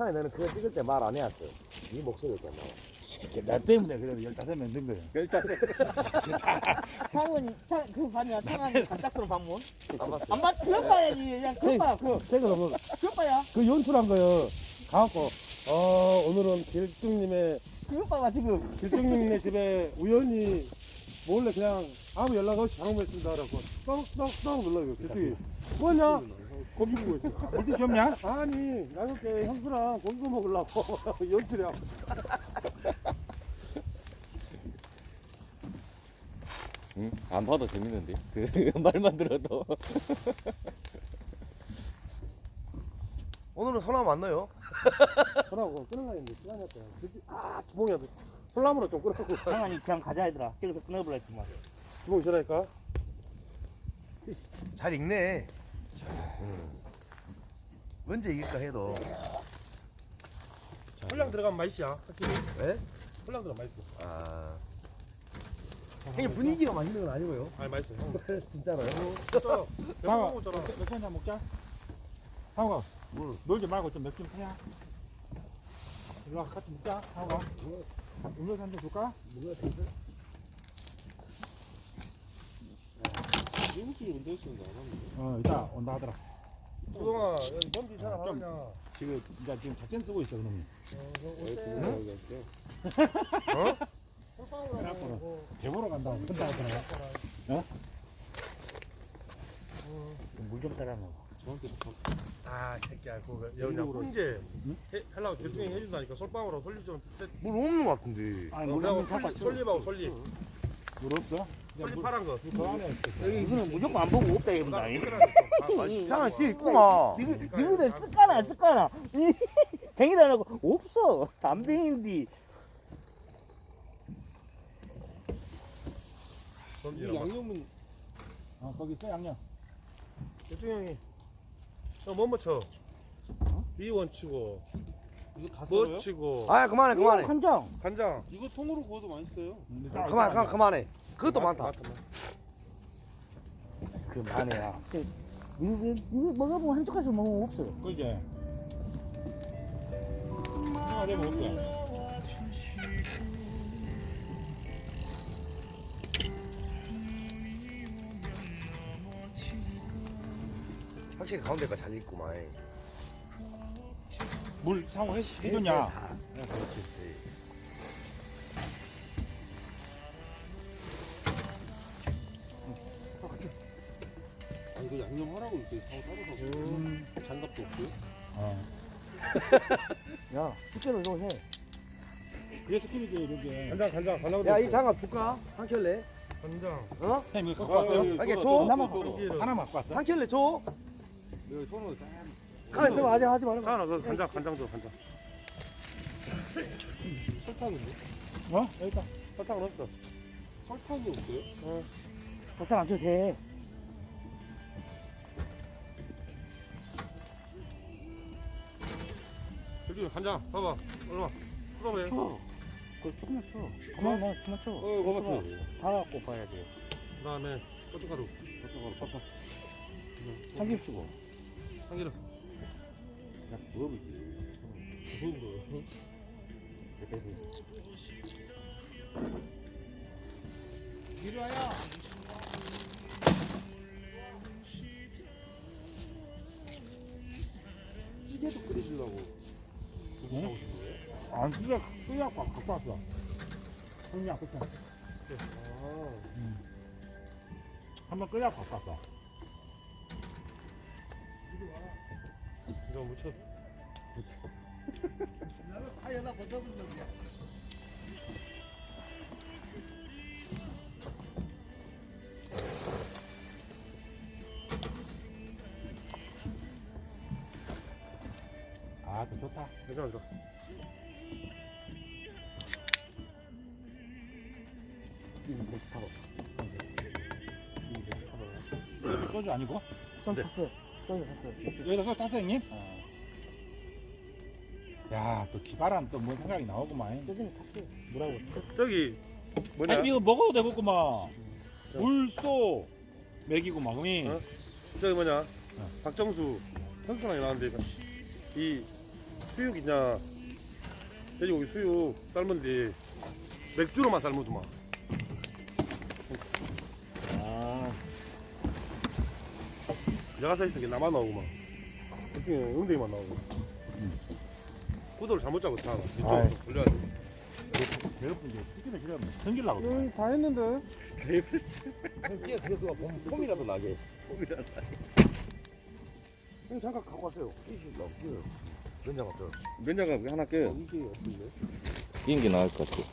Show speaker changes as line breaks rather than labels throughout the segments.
상에 너는 그거 찍을 때 말 안 해왔어. 네 목소리가 안 나와.
나 때문에 그래도 15명 든 거야.
창은 그 반이야. 창한 갑작스러운 방문.
안 봤어.
안 봤? 그거 봐야지. 그냥 그거 봐.
제가
그거 봐야.
그 연출한 거요. 가갖고 오늘은 길쭉님의
그거 봐봐 지금.
길쭉님네 집에 우연히 몰래 그냥 아무 연락 없이 방문했습니다. 그래갖고 떡 눌러요. 길쭉이 뭐냐? 고기 구고 있어.
물티슈 없냐?
아니 나그렇게 형수랑 고기 구워 먹으려고 연출이야.
응? 안 봐도 재밌는데 그 말만 들어도
오늘은 소나무 안 넣어요?
그러고 끊으려 했는데 시간이 없어요. 주봉이야. 솔나무로 좀 끊어갖고
창한이 그냥 가자 얘들아. 저기서 끊어버려 했지만.
주봉이 전화니까.
잘 읽네. 언제 이길까 해도.
홀랑 들어가면 맛있지야. 확실히.
왜?
홀랑 들어가면 맛있어.
아. 형님 분위기가 맛있는 건 아니고요.
아니 맛있어. 형.
진짜로요?
진짜.
상아,
배고파 먹었잖아.
맥주 한잔 먹자. 상아,
뭘?
놀지 말고 좀 맥주 좀 타야. 일로 와, 같이 먹자. 상아, 음료수 한잔 줄까?
미국끼리 운동 쓰는데 안 하는데.
이따 온다 하더라.
주동아, 여기 범지 잘 안
좀.
하냐?
지금 이제 작전 쓰고 있어, 그놈이. 그래갖고는 배보러 간다고 혼자 하더라.
물 좀 따라 먹어.
아, 새끼야, 그거 여기냐 훈제 하려고 결정이 해준다니까 솔방울하고 솔잎 좀.
물 없는 것 같은데.
아니, 물
그리고
한번 잡아.
솔잎하고 솔잎.
물 없어?
솔잎 파란 거.
그 안에 있어.
이거는 무조건 안 보고 없다 이건다.
상아 뒤에 있구나.
미국들 쓸까나 안 쓸까나. 뱅이도 안 하고 없어. 안 뱅인디.
양념은
거기 있어, 양념.
결정 형이. 뭐 묻혀? 비원 치고. 이거 다 썰어요? 치고.
아 그만해 그만해.
간장.
간장. 이거 통으로 구워도 맛있어요.
그만해. 그것도 많다.
그 만이야. 이거 먹어보면 한 젓갈씩 먹으면 없어.
그지? 생각 내면 없어.
확실히 가운데가 잘 익구만.
물 상호 해줬냐?
아 이거 양념하라고 이렇게 사고 따로 사고. 장갑도 없고.
야, 실제로 이거 해.
그래서 팀이지, 이렇게.
간장.
야 이 장갑 줄까? 한 켤레?
간장.
어?
햄 이거 갖고 왔어요?
이게 줘?
하나 갖고 왔어?
한 켤레 줘?
여기 손으로 짠.
가만 있어봐. 아직 하지 말고.
하나 그 간장 줘 간장. 설탕인데?
여기 있다.
설탕은 없어. 설탕이 없어요?
설탕 안 쳐도 돼.
여기 간장 봐봐. 얼마? 그다음에.
쳐. 그거 조금만 쳐. 그만 쳐.
거봐.
다 갖고 봐야지.
그다음에 고춧가루. 팍팍.
참기름 치고.
참기름.
야, 부업이지.
부은 이리 와요. 찌개도 끓이시려고.
응? 안 쓰자, 쓰자고 갖고 왔어. 그냥 그때. 한번 끓여갖고 갖고 왔어.
이거 묻혀.
아, 그 좋다.
괜찮아.
소주 아니고?
좀 샀어. 소주 샀어.
여기다 소주 땄어, 형님? 야, 또 기발한 또 뭔 생각이 나오구만.
소주는 샀어. 뭐라고?
저기 뭐냐?
아니, 이거 먹어도 되겠구만. 물소 먹이고 막, 그니?
저기 뭐냐? 박정수 선수랑 나왔는데 이 수육 있냐? 돼지고기 수육 삶은 뒤 맥주로만 삶으더만.
아,
내가 서 있은 게 나만 나오구만. 그중에 응대만 나오고. 구도를 잘못 잡고 다 이쪽으로 돌려야 돼.
내가 이제 튀기는 싫어하면 성질나거든.
다 했는데.
그게 그거 보면 폼이라도 나게.
형 잠깐 갖고 왔어요.
이실라 면장 없죠.
면장갑 하나 껴요.
이게 없는데.
끼는 게 나을 것 같아.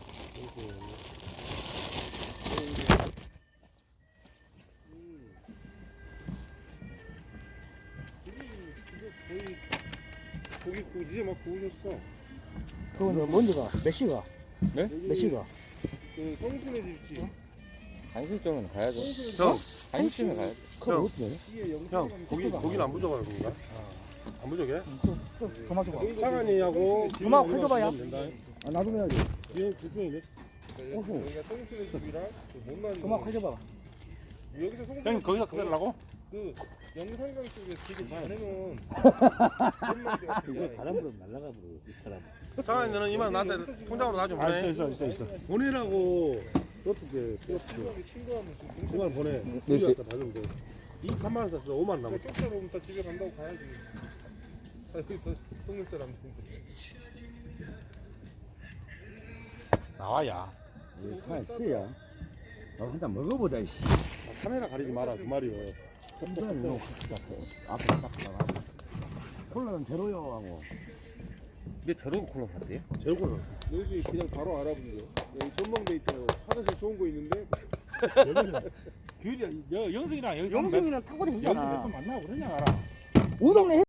고기 이제 막 구우셨어.
그거는 먼저가 몇 시가?
네?
몇 시가?
그 성순의 집지.
한식점은 가야죠.
형,
한식점에 가야죠.
그거 어떻게 해?
형 고기는 안 부족한 건가? 안 부족해?
그만 줘봐.
사간이하고
그만 해줘봐요.
아 나도 해야지.
얘 둘중에
어후.
여기가 성순의 집이랑 그 못난
그만 해줘봐.
여기서 성순의
형님 거기서 그러려고?
그 영산강 쪽에 되게 잘해놓은
이거 바람으로 날아가 버려 이 사람.
사간이는 이만 나한테 통장으로 나좀 보내.
있어.
보내라고 어떻게
친구하면 좀
그만 보내.
네,
우리 갖다 받으면 돼. 이 3만 원 썼어. 5만 원 남았어.
쪽자로 오면 다 집에 간다고 가야지. 아니 그 동네 사람
나와야.
아 쓰야. 나도 한잔 먹어보자 이씨.
카메라 가리지 마라 그 말이요.
컴퓨터는 이거 앞에 딱 나가고. 콜라는 제로요 하고.
근데 저런 콜라 사대요?
제로콜라.
여기서 그냥 바로 알아보세요. 여기 전망대 있잖아요. 화장실 좋은 거 있는데
규리야, 영승이랑 여기서
영승이랑 타고
여기서
다니잖아.
몇번 만나고 그러냐 알아.
우동네